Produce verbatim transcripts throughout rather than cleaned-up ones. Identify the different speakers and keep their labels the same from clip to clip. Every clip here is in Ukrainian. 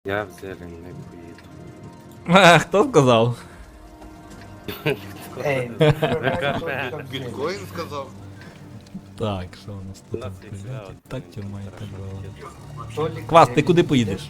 Speaker 1: Я в зелень не поїду.
Speaker 2: А, хто сказав?
Speaker 3: Ей,
Speaker 4: Біткоін сказав.
Speaker 2: Так, що у нас
Speaker 1: У
Speaker 2: тут?
Speaker 1: нас є
Speaker 2: Блядь,
Speaker 1: свято,
Speaker 2: Так
Speaker 1: ну,
Speaker 2: тюрма і так
Speaker 1: хорошо.
Speaker 2: далі. Квас, ти куди поїдеш?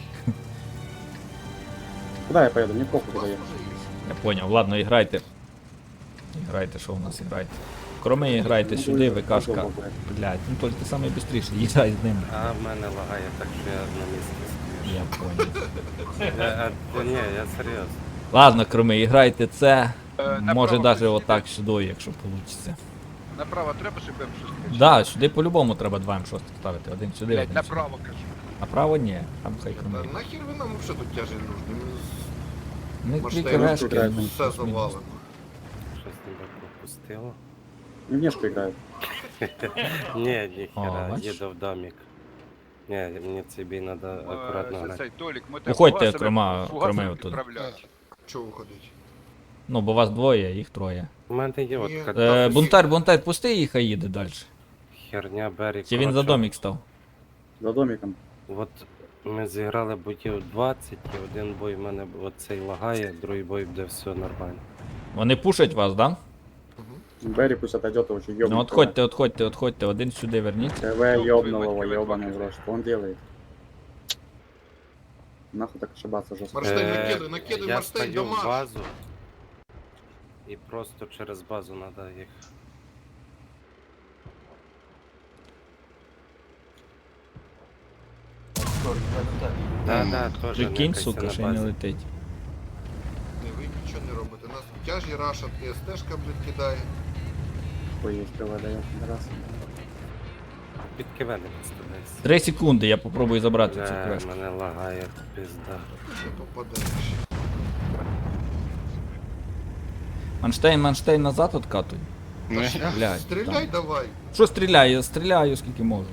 Speaker 5: Куда я поеду? Мне похуй куда ехать.
Speaker 2: Я поняв, ладно, іграйте. Іграйте, що у нас іграйте. Кроме іграйте сюди, ВКшка. Блядь, ну тільки ти самий бистріший, їжджай з ним.
Speaker 1: А в мене лагає, так що я на місці стою.
Speaker 2: Я поняв.
Speaker 1: Я, а, ні, я серйозно.
Speaker 2: Ладно, кроме, іграйте це.
Speaker 6: Е,
Speaker 2: Може
Speaker 6: направо
Speaker 2: навіть
Speaker 6: хочете?
Speaker 2: отак сюди, якщо вийде.
Speaker 6: Направо треба, щоб М шість.
Speaker 2: Да, сюди по-любому треба два М шість ставити. Один сюди,
Speaker 6: Блять,
Speaker 2: один сюди.
Speaker 6: направо кажу.
Speaker 2: Направо ні, там хай
Speaker 4: Та
Speaker 2: кроме.
Speaker 4: нахер ви нам вообще тут тяжі нужні?
Speaker 2: Ми
Speaker 4: Машина
Speaker 2: дві крешки,
Speaker 5: грає,
Speaker 2: ну,
Speaker 4: Все
Speaker 2: плюс-мінус.
Speaker 4: завалено.
Speaker 1: Щось тебе пропустило.
Speaker 5: Не внешку играют.
Speaker 1: Ні,
Speaker 2: О,
Speaker 1: ніхера,
Speaker 2: бачиш?
Speaker 1: їду в домик. Ні, мені цей бій треба акуратно
Speaker 6: Е,
Speaker 1: грати.
Speaker 6: Цей Толік, ми тебе
Speaker 2: Уходьте,
Speaker 6: фугасами-
Speaker 2: крома-
Speaker 6: фугасами
Speaker 2: кроме отут.
Speaker 6: підправляємо.
Speaker 4: Чого виходить?
Speaker 2: Ну, бо вас двоє, їх троє.
Speaker 1: У мене є от
Speaker 4: Ні.
Speaker 1: як
Speaker 2: Е, бунтар, бунтар, пусти і хай їде далі.
Speaker 1: херня Беррі.
Speaker 2: Чи він за
Speaker 1: коротше,
Speaker 2: домик став?
Speaker 5: За домиком.
Speaker 1: От ми зіграли боїв двадцять, і один бой в мене оцей лагає, другий бой буде все нормально.
Speaker 2: Вони пушать вас, да?
Speaker 5: Берри пусть отойдет, его еще ёбнет.
Speaker 2: Ну отходьте, отходьте, отходьте, один сюди верніть.
Speaker 5: ТВ ёбнул его, ёбаный в рот. Что он делает? Нахуй так ошибаться жестко.
Speaker 4: Марштейн
Speaker 1: Е,
Speaker 4: накидуй, накидуй,
Speaker 1: Я
Speaker 4: Марштейн,
Speaker 1: стою в
Speaker 4: дамаж.
Speaker 1: базу. І просто через базу треба їх. Да, да, теж.
Speaker 2: Прикинь,
Speaker 1: некайся
Speaker 2: сука,
Speaker 1: на
Speaker 2: ще й не
Speaker 1: базі.
Speaker 2: летить.
Speaker 4: Не, ви нічого не робите. Нас тяжі рашат, і СТшка, блядь, кидає.
Speaker 5: Хуй есть ТВ дает. Раз.
Speaker 1: Під кивени підставляйся.
Speaker 2: Три секунди, я попробую забрати цю
Speaker 1: Бля,
Speaker 2: квешку.
Speaker 1: мене лагає, пизда.
Speaker 4: Не попадаєш.
Speaker 2: Манштейн, Манштейн назад откатуй. Блядь,
Speaker 4: Стріляй
Speaker 2: там.
Speaker 4: давай.
Speaker 2: Що стріляю? Я стріляю скільки можу.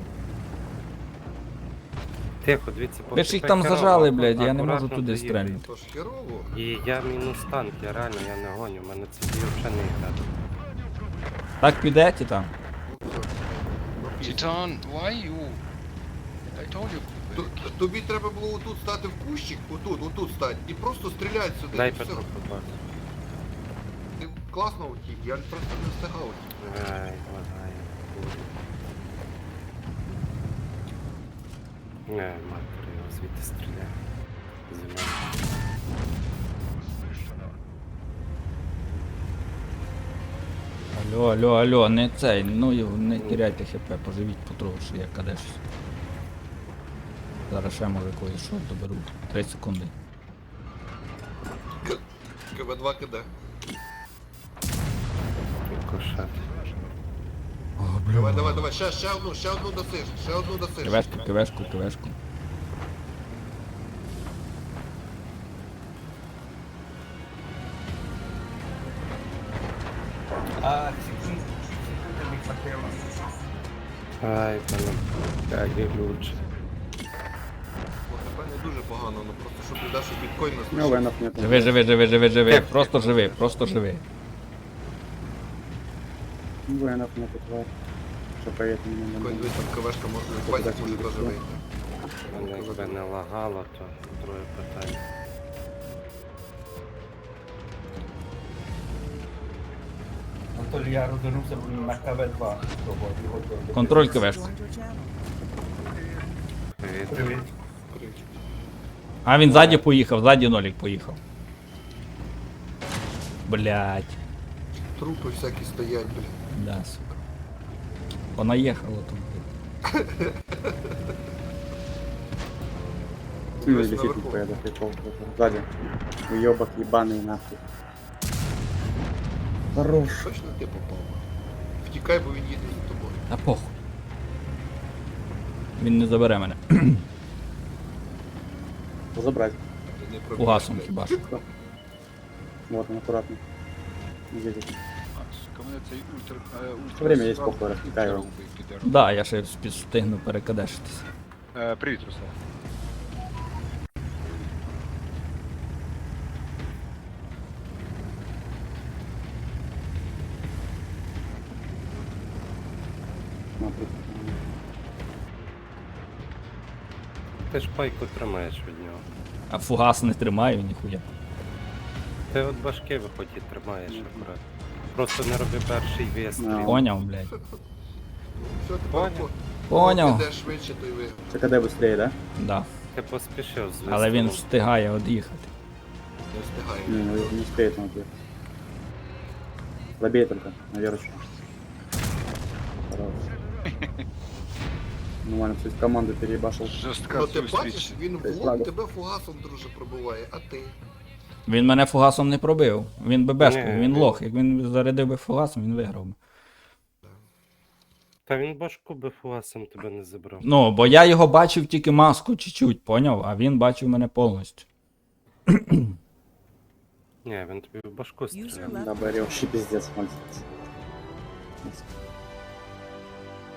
Speaker 1: Тихо, дивіться, поки
Speaker 2: Ви ж їх там
Speaker 1: пекерова,
Speaker 2: зажали, блядь, я не
Speaker 1: акуратно
Speaker 2: можу туди
Speaker 1: доїдете.
Speaker 2: стрельнути.
Speaker 4: Тож херово.
Speaker 1: І я мінус танк, я реально я не гоню, мене це бій взагалі не грати.
Speaker 2: Так піде, ті там?
Speaker 4: Ну, все. Ну, пізно.
Speaker 6: Titan, why you? I told you.
Speaker 4: Ту- Тобі треба було отут стати в кущик, отут, отут стати, і просто стріляти сюди.
Speaker 1: Дай
Speaker 4: і все.
Speaker 1: Петру побачити.
Speaker 4: Ти класно утік, я просто не встигав утік.
Speaker 1: Ай, лагає. Не, матер, його звідти стріляє. Зима.
Speaker 2: Алло, алло, алло, не цей, ну його не теряйте хп, поживіть потроху, що я кадеш. Зараз ще може когось що доберу. Три секунди.
Speaker 4: КВ два КД.
Speaker 1: Кошат.
Speaker 4: Давай, давай, давай, ще, ще одну, ще одну досиш, ще одну досиш.
Speaker 2: Кивешку, кивешку, кивешку.
Speaker 3: А, секунду, секунду не хватило.
Speaker 1: Ай, мене бляги лучше.
Speaker 4: Це не дуже погано, ну просто що ти даш у біткоін
Speaker 5: Ну,
Speaker 4: нас.
Speaker 5: венов нет.
Speaker 2: Живи, живи, живи, живи, живи. Просто живи, просто живи.
Speaker 5: Венов нет, тварь. Что поедет мне на
Speaker 4: Біткоін дивись, там КВшка може, базик може теж вийти.
Speaker 1: Мене якби не лагало, то друге питання.
Speaker 3: Анатолій, я розвернувся на КВ два.
Speaker 2: Контроль кивешку.
Speaker 1: Привіт.
Speaker 3: Привіт.
Speaker 2: А він ззаді поїхав, ззаді нолік поїхав. Блять.
Speaker 4: Трупи всякі стоять, блін.
Speaker 2: Да, сука. Понаїхало тут. блядь.
Speaker 5: Ну,
Speaker 4: Дивись
Speaker 5: летит
Speaker 4: наверху.
Speaker 5: нихуя, да, прикол. Сзади. Уебок ебаный нахуй. Хорош.
Speaker 4: Точно ти попав? Втікай, бо він їде за тобою.
Speaker 2: А похуй. Він не забере мене.
Speaker 5: Забрать.
Speaker 4: Ти не пробіжиш,
Speaker 2: Угасом
Speaker 4: блядь.
Speaker 2: хіба що.
Speaker 5: Вот он аккуратно. Едет.
Speaker 6: Кому цей ультра... е, ультра...
Speaker 5: Время есть, похуй, раскидаю его.
Speaker 2: Да, я ще спі- встигну перекадешитися.
Speaker 6: Е, Привіт, Руслан.
Speaker 5: Смотри.
Speaker 1: Ти ж пайку тримаєш від нього.
Speaker 2: А фугас не тримаю ніхуя.
Speaker 1: Ти от башки виходь і тримаєш акурат. Просто не роби перший вистріл.
Speaker 2: Поняв, блядь.
Speaker 4: Все, тепер
Speaker 1: Поняв.
Speaker 4: по-
Speaker 2: Поняв.
Speaker 4: Піде швидше, то й виграв.
Speaker 5: Це КД швидше, да?
Speaker 2: Да.
Speaker 1: Ти поспішив з
Speaker 2: Але він
Speaker 1: вистрілом.
Speaker 2: встигає од'їхати.
Speaker 4: Не встигає.
Speaker 5: Не, ну, не успеет он ответ. Слабее только, наверное. Хорош. Нормально, все, команду переебашил.
Speaker 6: Жорстка
Speaker 4: Ну ти
Speaker 6: зустріч.
Speaker 4: бачиш, він в
Speaker 5: Десь
Speaker 4: лоб
Speaker 5: лагав.
Speaker 4: тебе фугасом, друже, пробиває, а ти?
Speaker 2: Він мене фугасом не пробив. Він би бешкою,
Speaker 1: Ні,
Speaker 2: він
Speaker 1: він-
Speaker 2: лох. Як він зарядив би фугасом, він виграв би.
Speaker 1: Та він башку би фуасом тебе не забрав.
Speaker 2: Ну, бо я його бачив тільки маску чуть-чуть, поняв? А він бачив мене повністю.
Speaker 1: Ні, він тобі в башку стріляв.
Speaker 5: Да, Барри вообще пиздец, мальчик.